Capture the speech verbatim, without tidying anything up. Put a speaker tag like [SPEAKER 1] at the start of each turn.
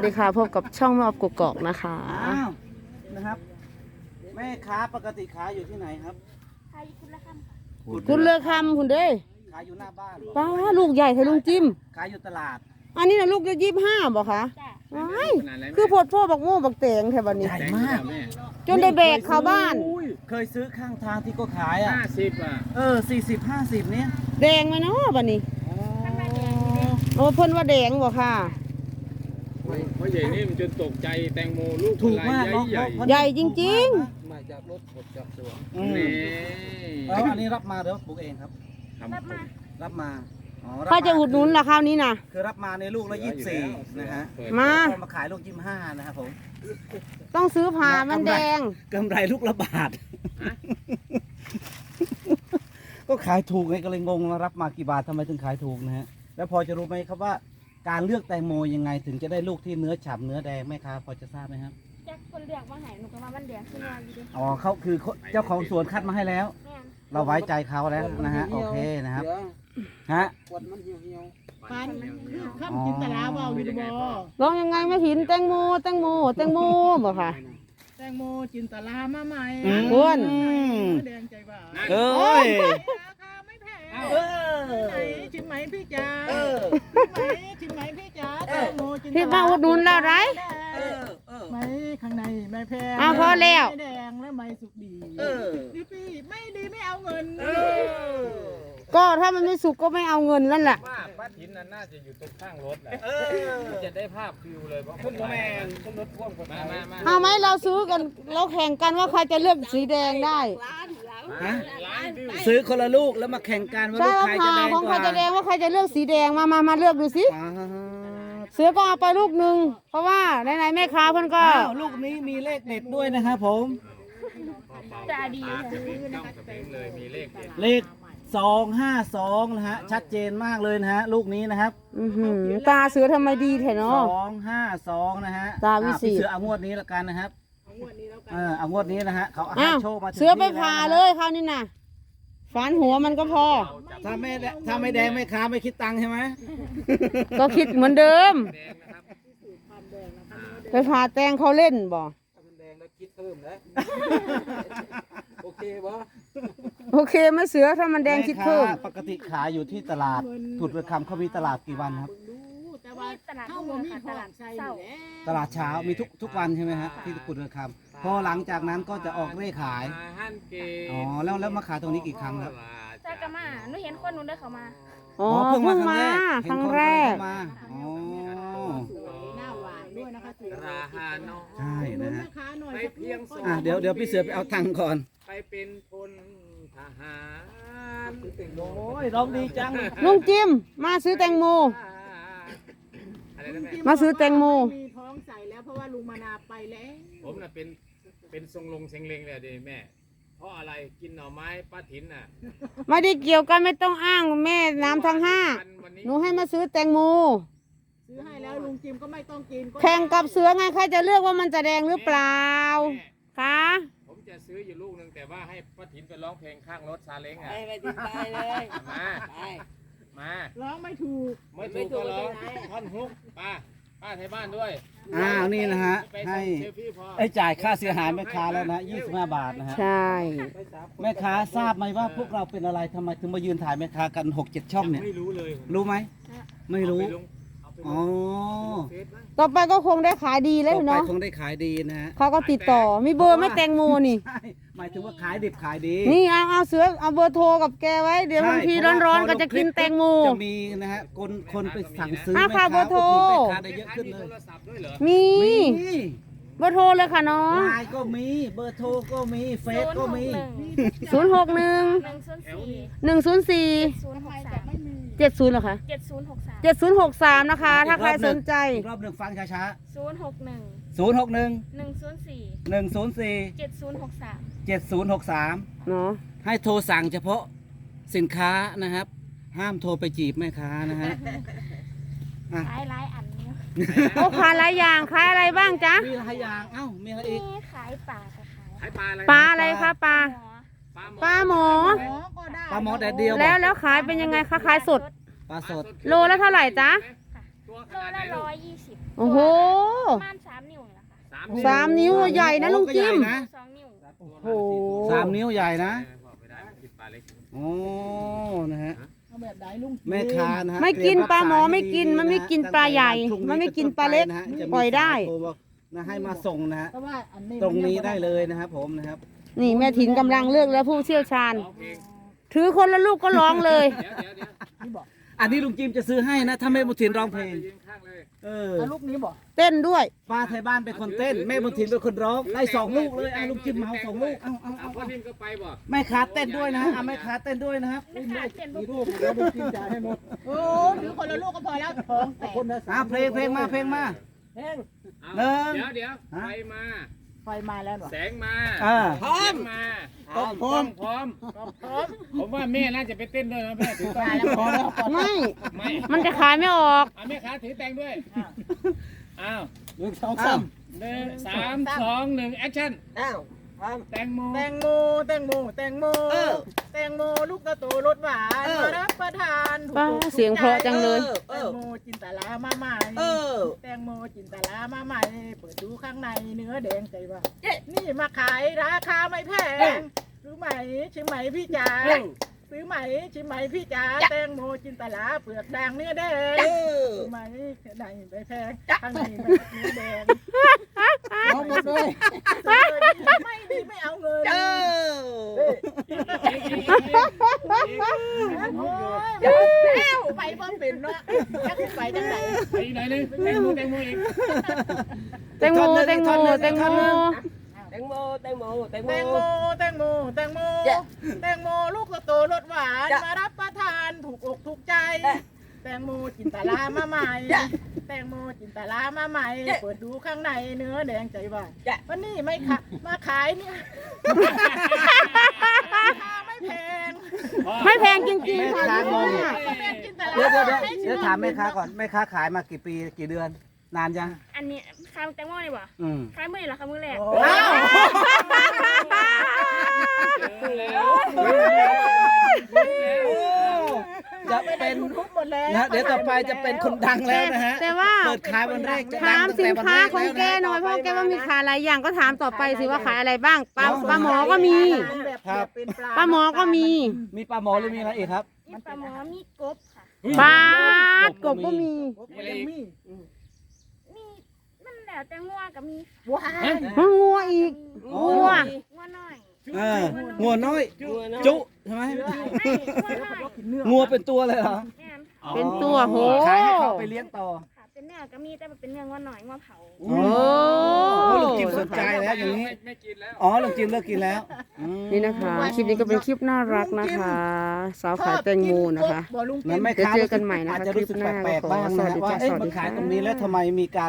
[SPEAKER 1] ดีค่ะพบกับช่องแม่ออฟกกอกนะคะ
[SPEAKER 2] อ้าวนะครับแม่ค้าปกติขายอยู่ที่ไหนครับ
[SPEAKER 3] ขายคุณละคำค่ะ
[SPEAKER 1] คุณเลือกคำคุณเด้ย
[SPEAKER 2] ขายอยู่หน้าบ้าน
[SPEAKER 1] ป้าลูกใหญ่เธอลุงจิ้ม
[SPEAKER 2] ขายอยู่ตลาด
[SPEAKER 1] อันนี้นะลูกจะยี่สิบห้าบอกคะ
[SPEAKER 3] จ้ะ
[SPEAKER 1] ว้ายคือโพดพ่อบักโม่บักแตงแถวนี้
[SPEAKER 2] ใหญ่มาก
[SPEAKER 1] จนได้แบกเข้าบ้าน
[SPEAKER 2] เคยซื้อข้างทางที่ก็ขายอ่ะ
[SPEAKER 4] ห้าสิบอ่ะ
[SPEAKER 2] เออสี่สิบห้าสิบเนี้ย
[SPEAKER 1] แดงไหมเนาะบัดนี้
[SPEAKER 3] ข้างในแดงนี่เด้
[SPEAKER 1] โอ้เพิ่นว่าแดงบอกค่ะ
[SPEAKER 4] เพราะใหญ่นี่มันจนตกใจแตงโมลูก
[SPEAKER 2] ถูกมาก
[SPEAKER 4] ใหญ่
[SPEAKER 2] เนาะ
[SPEAKER 4] ใหญ่
[SPEAKER 1] ใหญ่จริง
[SPEAKER 5] มาจากรถบดจากสวน
[SPEAKER 2] อืม
[SPEAKER 4] นี่
[SPEAKER 2] แล้วอันนี้รับมาเดี๋ยวปลูกเองครับ
[SPEAKER 3] รับมา
[SPEAKER 2] รับมาอ๋อ
[SPEAKER 1] ๆ
[SPEAKER 2] รับ
[SPEAKER 1] เขาจะอุดหนุนละคราวนี้นะ
[SPEAKER 2] คือรับมาในลูกละยี่สิบสี่นะฮะ
[SPEAKER 1] มา
[SPEAKER 2] ก็มาขายลูกยี่สิบห้านะครับผม
[SPEAKER 1] ต้องซื้อผ่ามันแดง
[SPEAKER 2] กำไรลูกละบาท ก็ขายถูกไงก็เลยงงว่ารับมากี่บาททำไมถึงขายถูกนะฮะแล้วพอจะรู้ไหมครับว่า การเลือกแตงโมยังไงถึงจะได้ลูกที่เนื้อฉ่ำเนื้อแดงแม่ค้าพอจะทราบไหมครับ
[SPEAKER 3] แจ็คคนเลือกว่าไหนหนูก็ว่ามันแดงขึ้นมาอยู่ดิ
[SPEAKER 2] อ๋อเขาคือเจ้าของสวนคัดมาให้แล้ว
[SPEAKER 3] แม่น
[SPEAKER 2] เราไว้ใจเขาแล้วนะฮะโอเคนะครับฮะ
[SPEAKER 5] ขวดมันเหี่ยวเหี่ยว
[SPEAKER 6] ปันคือข้ามจินตลาเบาอยู่บ่
[SPEAKER 1] ร้องยังไงไม่หินแตงโมแตงโมแตงโมบอกค่ะ
[SPEAKER 6] แตงโมจินตลามาใหม่
[SPEAKER 1] อ้วน
[SPEAKER 6] แดงใจบ่า
[SPEAKER 2] เอ้ย
[SPEAKER 6] ราคาไม่แพง
[SPEAKER 2] เออ
[SPEAKER 6] ไหนชิมไหมพี่จ๋า
[SPEAKER 2] เออ
[SPEAKER 6] ชิมไหมชิมไหมพี่จ๋าแตงโมจินต
[SPEAKER 1] พี่
[SPEAKER 6] ลา
[SPEAKER 1] มาอุดหนุนแล้วไร
[SPEAKER 2] เออเออ
[SPEAKER 6] ไหมข้างในไม่แพง
[SPEAKER 1] อ้าวพอแล้ว
[SPEAKER 6] ไม่แดงและไม่สุกดี
[SPEAKER 2] เออ
[SPEAKER 6] ดีพี่ไม่ดีไม่เอาเงิน
[SPEAKER 2] เออ
[SPEAKER 1] ก็ถ้ามันไม่สุกก็ไม่เอาเงินนั่นแหละ
[SPEAKER 4] ว่าป้าถินน่ะน่าจะอยู่ตรงข้างรถแหละ
[SPEAKER 2] เออ
[SPEAKER 4] จะได้ภาพฟิวเลยเพราะ
[SPEAKER 2] ขึ้นรถแมนขึ้นรถพ่วงคน
[SPEAKER 4] มามามา
[SPEAKER 1] เอาไหมเราซื้อกันเราแข่งกันว่าใครจะเลือกสีแดงได้
[SPEAKER 2] ฮะ
[SPEAKER 4] ล้านวิว
[SPEAKER 2] ซื้อคนละลูกแล้วมาแข่งกันว่า
[SPEAKER 1] ใช่
[SPEAKER 2] ลูก
[SPEAKER 1] ว่า
[SPEAKER 2] ใคร
[SPEAKER 1] ผ่า
[SPEAKER 2] จะแดง
[SPEAKER 1] ของ
[SPEAKER 2] ก
[SPEAKER 1] ใคร
[SPEAKER 2] ว่า
[SPEAKER 1] จะแดงว่าใครจะเลือกสีแดงมามามาเลือกดูสิ
[SPEAKER 2] ป๊าด
[SPEAKER 1] เสือก็เอาไปลูกหนึ่งเพราะว่าไหนๆแม่ค้าเพิ่นก็
[SPEAKER 2] อ้าวลูกนี้มีเลขเด็ดด้วยนะครับผม
[SPEAKER 3] จะดี
[SPEAKER 4] ตา
[SPEAKER 3] เลย
[SPEAKER 4] จะเป็นต้องจะเป็นเลยมีเลขเด็ด
[SPEAKER 2] เลขสองห้าสองนะฮะชัดเจนมากเลยนะฮะลูกนี้นะครับ
[SPEAKER 1] อื้อหือตาเสือทำไมดีแท้
[SPEAKER 2] ส
[SPEAKER 1] เนาะ
[SPEAKER 2] องห้าสองนะฮะ
[SPEAKER 1] ตาวิเศษ
[SPEAKER 2] อ่ะพี่เสือเอางวดนี้ละกันนะครับเออเอางวดนี้นะฮะเขาให้
[SPEAKER 1] อ้าว
[SPEAKER 2] โชคมาถึง
[SPEAKER 1] เสือไป
[SPEAKER 2] ที่
[SPEAKER 1] ผ่า
[SPEAKER 2] แว
[SPEAKER 1] เล
[SPEAKER 2] นะ
[SPEAKER 1] ยคราวนี้น่ะฝันหัวมันก็พอ
[SPEAKER 2] ถ้าไม่แดถ้าไม่แดงไม่ค้าไม่คิดตังค์ใช่ไหม
[SPEAKER 1] ก็คิดเหมือนเดิม
[SPEAKER 4] แดงนะครับ
[SPEAKER 1] ไปผ่าแตงเขาเล่นบ่
[SPEAKER 5] ถ้ามันแดงแล้วคิดเพิ่มแล้วโอเคบ่
[SPEAKER 1] โอเคไหมเสือถ้ามันแดงคิดเพิ่ม
[SPEAKER 2] แค้าปกติขายอยู่ที่ตลาดถุดเรือคำเขามีตลาดกี่วันครับ
[SPEAKER 6] แต่ว่า
[SPEAKER 3] ตลาด
[SPEAKER 6] เข้า
[SPEAKER 3] เมื
[SPEAKER 6] บ่
[SPEAKER 3] อง
[SPEAKER 6] มี
[SPEAKER 3] ค่ะ
[SPEAKER 6] ข
[SPEAKER 3] ต
[SPEAKER 6] อ
[SPEAKER 3] ลาง ด
[SPEAKER 6] ใส่
[SPEAKER 3] เศร้า
[SPEAKER 6] แหละ
[SPEAKER 2] ตลาดเช้ามีทุกทุกวันใช่ไหมฮะที่กุดเรือคำพอหลังจากนั้นก็จะออกเร่ขาย
[SPEAKER 4] มาฮั่นเก
[SPEAKER 2] อ๋อแล้วแล้วมาขายตรงนี้กี่ครั้งครับ
[SPEAKER 3] จ้ากะมาหนูเห็นคนหนูเดินเข้ามา
[SPEAKER 1] อ๋อเพิ่งมาครั้งแรก
[SPEAKER 2] เห็นคนเดินเข้ามาอ๋อ
[SPEAKER 6] หน้าหวานด้วยนะคะสวย
[SPEAKER 4] ราฮาโน
[SPEAKER 2] ใช่นะฮะ
[SPEAKER 6] แม่ค้าหน่อย
[SPEAKER 4] ไปเพียงสอง
[SPEAKER 2] อ่ะเดี๋ยวเดี๋ยวพี่เสือไปเอาตังค์ก่อน
[SPEAKER 4] ไปเป็นพลทหาร
[SPEAKER 2] โอ้ยร้องดีจัง
[SPEAKER 1] ลุงจิมมาซื้อแตงโม
[SPEAKER 4] อะไรนะแม่
[SPEAKER 1] มาซื้อแตงโม
[SPEAKER 6] มีท้องใส่แล้วเพราะว่าลุงมานาไปแล้ว
[SPEAKER 4] ผมน่ะเป็นเป็นทรงลงเซงเลงเลยดิแม่ เพราะอะไรกินหน่อไม้ป้าถินน่ะ
[SPEAKER 1] ไม่ได้เกี่ยวกันไม่ต้องอ้างแม่น้ำทั้งห้า
[SPEAKER 4] วันนี้
[SPEAKER 1] หนูให้มาซื้อแตงโม
[SPEAKER 6] ซื้อให้แล้วลุงจิมก็ไม่ต้องกินก็
[SPEAKER 1] แข่งกับเสือไงใครจะเลือกว่ามันจะแดงหรือเปล่า
[SPEAKER 4] แม่
[SPEAKER 1] คะ
[SPEAKER 4] ผมจะซื้ออยู่ลูกหนึ่งแต่ว่าให้ป้าถินไปร้องเพลงข้างรถซาเล้งอ่ะ
[SPEAKER 5] ไปถึงไปเลย
[SPEAKER 4] มามา
[SPEAKER 6] ร้องไม่ถูก
[SPEAKER 4] ไม่ถูกก็ร้องท่อนฮุกป้าป้าไทยบ้านด้วย
[SPEAKER 2] อ้าวนี่นะฮะ
[SPEAKER 4] ไป
[SPEAKER 2] ให้
[SPEAKER 4] เซลฟี่พอ
[SPEAKER 2] ไอ้จ่ายค่าเสียหายแม่ค้าแล้วนะยี่สิบห้าบาทนะฮะ
[SPEAKER 1] ใช่
[SPEAKER 2] แม่ค้าทราบไหมว่าพวกเราเป็นอะไรทำไมถึงมายืนถ่ายแม่ค้ากันหกเจ็ดช่องเนี่ย
[SPEAKER 4] ไม่รู้เลย
[SPEAKER 2] รู้ไหมไม่รู้
[SPEAKER 4] เอาไปลงเอาไปล
[SPEAKER 2] อ๋อง
[SPEAKER 4] เฟซบ้าง
[SPEAKER 1] ต่อไปก็คงได้ขายดีแล้ว
[SPEAKER 2] ต่อไป
[SPEAKER 1] เนาะ
[SPEAKER 2] คงได้ขายดีนะฮะ
[SPEAKER 1] เขาก็ติดต่อมีเบอร์ไหม่แตงโมนี่
[SPEAKER 2] ใช่หมายถึงว่าขายดิบขายดี
[SPEAKER 1] นี่เอาเอาเสือเอาเบอร์โทรกับแกไว้เดี๋ยวบางที
[SPEAKER 2] ใช่
[SPEAKER 1] ร้อน
[SPEAKER 2] เพาว่า
[SPEAKER 1] ๆก็จะกินแตงโม
[SPEAKER 2] จะมีนะฮะคนคนไปสั่งซื้อ
[SPEAKER 1] อ่ะ
[SPEAKER 2] แม่
[SPEAKER 1] ค่ะ
[SPEAKER 2] ค้า
[SPEAKER 1] เบอร์โทร
[SPEAKER 2] อุดหนุนแม่ค้าได้เยอะขึ้นเลย
[SPEAKER 4] โทรศัพท์ด้วยเหรอ
[SPEAKER 1] มี
[SPEAKER 2] มี
[SPEAKER 1] เบอร์โทรเลยค่ะน้อง
[SPEAKER 2] ไลน์ก็มีเบอร์โทรก็มีเฟซก็มี
[SPEAKER 1] ศูนย์หกหนึ่ง
[SPEAKER 3] หนึ่งศูนย์สี่
[SPEAKER 1] หนึ่งศูนย์สี่
[SPEAKER 3] ศูนย์หกสาม
[SPEAKER 1] เจ็ดศูนย์เหรอคะ
[SPEAKER 3] เจ็ดศูนย์หกสาม
[SPEAKER 1] เจ็ดศูนย์หกสามนะคะ ถ้าใครสนใจ
[SPEAKER 2] อีกรอบหนึ่งฟังช้า
[SPEAKER 3] ศูนย์หกหนึ่ง
[SPEAKER 2] ๆศูนย์หกหนึ่ง
[SPEAKER 3] หนึ่งศูนย์สี่
[SPEAKER 2] หนึ่งศูนย์สี่
[SPEAKER 3] เจ็ดศูนย์หกสาม
[SPEAKER 2] เจ็ดศูนย์หกสาม
[SPEAKER 1] เนาะ
[SPEAKER 2] ให้โทรสั่งเฉพาะสินค้านะครับ ห้ามโทรไปจีบแม่ค้านะฮะอ่ะ
[SPEAKER 3] ขายหลายอันเนี่ย
[SPEAKER 1] โอ้ขายหลายอย่างขายอะไรบ้างจ๊ะ
[SPEAKER 2] มีหลายอย่างเอ้ามีอะไรอีก
[SPEAKER 3] นี่ขายป่าค่ะขาย
[SPEAKER 4] ขายปลาอะไร
[SPEAKER 1] ปลาอะไรคะปลา
[SPEAKER 3] หมอ
[SPEAKER 1] ปลาหมอ
[SPEAKER 6] หมอก็ได้
[SPEAKER 2] ปลาหมอแดดเดียวบ
[SPEAKER 1] แล้
[SPEAKER 2] อ
[SPEAKER 1] ว
[SPEAKER 2] ก
[SPEAKER 1] แล้วขายเป็นยังไงคะขายสด
[SPEAKER 2] ปลาสด
[SPEAKER 1] โลละเท่าไหร่จ๊ะ
[SPEAKER 4] ตัวข
[SPEAKER 3] โล
[SPEAKER 4] นาดไหน
[SPEAKER 3] ละ
[SPEAKER 4] ลู
[SPEAKER 3] ร้
[SPEAKER 4] ก
[SPEAKER 3] อยยี่สิบ
[SPEAKER 1] โอ้โหสามนิ้วใหญ่นะลุงจิม
[SPEAKER 2] โอ้ก็ใหญ่นะ
[SPEAKER 3] สองนิ้ว
[SPEAKER 1] โอ้โห
[SPEAKER 2] สามนิ้วใหญ่นะ
[SPEAKER 4] ไม่ได้กินปลาเล็ก
[SPEAKER 2] โอ้นะฮะ
[SPEAKER 6] เอาแบบไหนลุงจิม
[SPEAKER 2] แม่ค้านะฮะ
[SPEAKER 1] ไม่กิน
[SPEAKER 2] เตรีย
[SPEAKER 1] ปลาหมอ
[SPEAKER 2] รักษ
[SPEAKER 1] ไม่กิน
[SPEAKER 2] ให้ดี
[SPEAKER 1] มันไม่กิน
[SPEAKER 2] นะ
[SPEAKER 1] ปลาใหญ่
[SPEAKER 2] ตั้งแต่
[SPEAKER 1] มันไม่กิน
[SPEAKER 2] วั
[SPEAKER 1] ปลาเล็ก
[SPEAKER 2] นะฮะจะมี
[SPEAKER 1] ปล่อยได้
[SPEAKER 2] สาโทรบอกนะให้มาส่งนะฮะ
[SPEAKER 6] เพราะว่าอันนี้
[SPEAKER 2] ตรงนี้ได้เลยนะครับผมนะครับ
[SPEAKER 1] นี่แม่ถินกำลังเลือกแล้วผู้เชี่ยวชาญ
[SPEAKER 4] ร้องเพลง
[SPEAKER 1] ถือคนละลูกก็ร้องเลย
[SPEAKER 4] เดี๋ยวเดี๋ยวเดี๋ยว
[SPEAKER 6] นี่บอก
[SPEAKER 2] อันนี้ลุงจิมจะซื้อให้นะถ้าแม่บุญถินร้องเพลง
[SPEAKER 4] ยืนข้างเลย
[SPEAKER 2] เออ
[SPEAKER 6] เอาลูกนี้บอก
[SPEAKER 1] เต้นด้วย
[SPEAKER 2] ป้าไทยบ้านเป็นคนเต้น แม่บุญถินเป็นคนร้องได้สองลูกเลยไอ้ลุงจิมเหมาสองลูกเอาเอา
[SPEAKER 4] เอา
[SPEAKER 2] เอา
[SPEAKER 4] พ่อนิ่มก็ไปบ่
[SPEAKER 2] แม่ค้าเต้นด้วยนะฮะเอาแม่ค้าเต้นด้วยนะครับ
[SPEAKER 3] ไม่ขาดเต้น
[SPEAKER 6] มี
[SPEAKER 3] บุก
[SPEAKER 6] รูปแล้วลุงจิมจ่ายให้หมดโอ้ถือคนละลูกก็พอแล้วท้องแตกคนละ
[SPEAKER 2] อ่ะเพลงเพลงมาเพลงมา
[SPEAKER 6] เพลง
[SPEAKER 4] เอา
[SPEAKER 2] หนึ่ง
[SPEAKER 4] เดี๋ยวเดี๋ยว
[SPEAKER 2] ฮะ
[SPEAKER 4] ไฟมา
[SPEAKER 6] ไฟมาแล้วเหรอ
[SPEAKER 4] แสงมา
[SPEAKER 2] อ่า
[SPEAKER 4] พร้อมมาพร้อมพร้อมพร้อม
[SPEAKER 6] พร้อม
[SPEAKER 4] ผมว่าแม่น่าจะไปเต้นด้วยนะแม่ถือแต
[SPEAKER 6] มาง แล้วพอแล้วพอแล้ว
[SPEAKER 1] ไม่
[SPEAKER 4] ไม่
[SPEAKER 1] มันจะขายไม่ออก
[SPEAKER 4] อ่ะแม่ค้าถือแตงด้วยอ้าว
[SPEAKER 6] หนึ่งสอง
[SPEAKER 2] อ้า
[SPEAKER 6] สาว ม
[SPEAKER 4] หนึ่งสามสองหนึ่งแอคชั่น
[SPEAKER 6] อ้าว
[SPEAKER 4] แตงโม
[SPEAKER 6] แตงโมแตงโมแตงโม
[SPEAKER 2] เออ
[SPEAKER 6] แตงโมลูกกระโตรสหวาน
[SPEAKER 2] เออ
[SPEAKER 6] มารับประทานถูก
[SPEAKER 1] ป้า
[SPEAKER 6] อกถูก
[SPEAKER 1] เสียงเพราะจังเลย
[SPEAKER 6] แตงโมจินตลามาใหม่
[SPEAKER 2] เออ
[SPEAKER 6] แตงโมจินตลามาใหม่ เปิดดูข้างในเนื้อแดงใจว่านี่มาขายราคาไม่แพงซื้อไหมชิมไหมพี่จ๋าซื้อไหมชิมไหมพี่จ๋าแตงโมจินตลาเปลือกแดงเนื้อแดงซื้อไหมไหนไม่แพงข้างในเนื้อแดงเอาหมดเลยไม่ดีไม่เอาเงิน โอ้ยแล้วไปบ่เป็นเนาะจักสิไปจังได
[SPEAKER 4] ไปอีกหน่อยนึงแตงโมแตงโมอีก
[SPEAKER 1] แตงโมแตงโมแตงโม
[SPEAKER 7] แตงโมแตงโมแตงโม
[SPEAKER 6] แตงโมแตงโมแตงโมแตงโมลูกโตรสหวานมารับประทานถูกอกถูกใจ แตงโมจินตลามาใหม่ แตงโมจินตลามาใหม่ เปิดดูข้างในเนื้อแดงใจว่าวันนี้ไม่ค่ะมาขายเนี่ยราคาไม่แพง
[SPEAKER 1] ไม่แพงจริงๆค่ะ
[SPEAKER 2] แม่ค้างง
[SPEAKER 6] แม่จินตลา
[SPEAKER 2] เดี๋ยวเดี๋ยวเดี๋ยวเดี๋ยวถามแม่ค้าก่อนแม่ค้าขายมากี่ปีกี่เดือน นานยัง
[SPEAKER 3] อันนี้ขายแตงโมนี่บ่
[SPEAKER 2] อืม
[SPEAKER 3] ขายมื้อนี่เหรอคะมื้อแรก
[SPEAKER 6] อ้าว
[SPEAKER 2] จะเป็น
[SPEAKER 6] ทุบหมดแล้ว
[SPEAKER 2] นะเดี๋ยวต่อไปจะเป็นคนดังแล้วนะฮะ
[SPEAKER 1] แต่ว่า
[SPEAKER 2] เปิดขายวันแรกจะดั
[SPEAKER 1] ถาง ม
[SPEAKER 2] ตั้ง
[SPEAKER 1] สิ
[SPEAKER 2] แต่
[SPEAKER 1] น
[SPEAKER 2] วัน
[SPEAKER 1] ค้า
[SPEAKER 2] แรก
[SPEAKER 1] ของแก
[SPEAKER 2] แล้วนะ
[SPEAKER 1] หน่อยเพราะแกว่ามีขายหลายอย่างก็ถามต่อไปสิว่าขายอะไรบ้างปลาปลาหมอก็มี
[SPEAKER 2] ครับ
[SPEAKER 1] ปลาหมอก็มี
[SPEAKER 2] มีปลาหมอหรือมีอะไรอีกครับ
[SPEAKER 3] มีปลาหมอมีกบค่ะ
[SPEAKER 1] ปลากบก็มี
[SPEAKER 3] มีมันแล้วแต่งัวก็มี
[SPEAKER 6] ว้าย
[SPEAKER 1] มันงัวอีก
[SPEAKER 2] อ๋อ
[SPEAKER 1] งัว
[SPEAKER 3] งัวน้อย
[SPEAKER 2] เอองัวน้อย จุใช่ไหม
[SPEAKER 3] ไม่งัวน้อย
[SPEAKER 2] งัวเป็นตัวเลยเหรอ
[SPEAKER 3] แม่น
[SPEAKER 1] เป็นตัวโห
[SPEAKER 2] ขายให้เขาไปเลี้ยงต่อ
[SPEAKER 3] ค่ะเป็นเนื้อก็มีแต่มันเป็นเนื้องัวน้อยงัวเผา
[SPEAKER 2] โอ้ลุงจิมสนใจแล้วอย่างนี้
[SPEAKER 4] ไม่ไม่กินแล้ว
[SPEAKER 2] อ๋อลุงจิมเลิกกินแล้วอืม
[SPEAKER 1] นี่นะคะ คลิปนี้ก็เป็นคลิปน่ารักนะคะ สาวขายแตงโมนะคะ
[SPEAKER 6] บ่ลุง
[SPEAKER 2] นั้นแม่
[SPEAKER 1] เดี๋ยว
[SPEAKER 2] ค้า
[SPEAKER 1] เจอกันใหม่นะคะ
[SPEAKER 2] อาจจะรู้สึก
[SPEAKER 1] คลิปหน้า
[SPEAKER 2] แปลกๆบ้าง
[SPEAKER 1] สวั
[SPEAKER 2] นะ
[SPEAKER 1] สดี
[SPEAKER 2] ว่า
[SPEAKER 1] จ้ะ
[SPEAKER 2] เอ๊ะ
[SPEAKER 1] สวัสดี
[SPEAKER 2] มาขาย
[SPEAKER 1] ค่ะ
[SPEAKER 2] ตรงนี้แล้วทำไมมีการ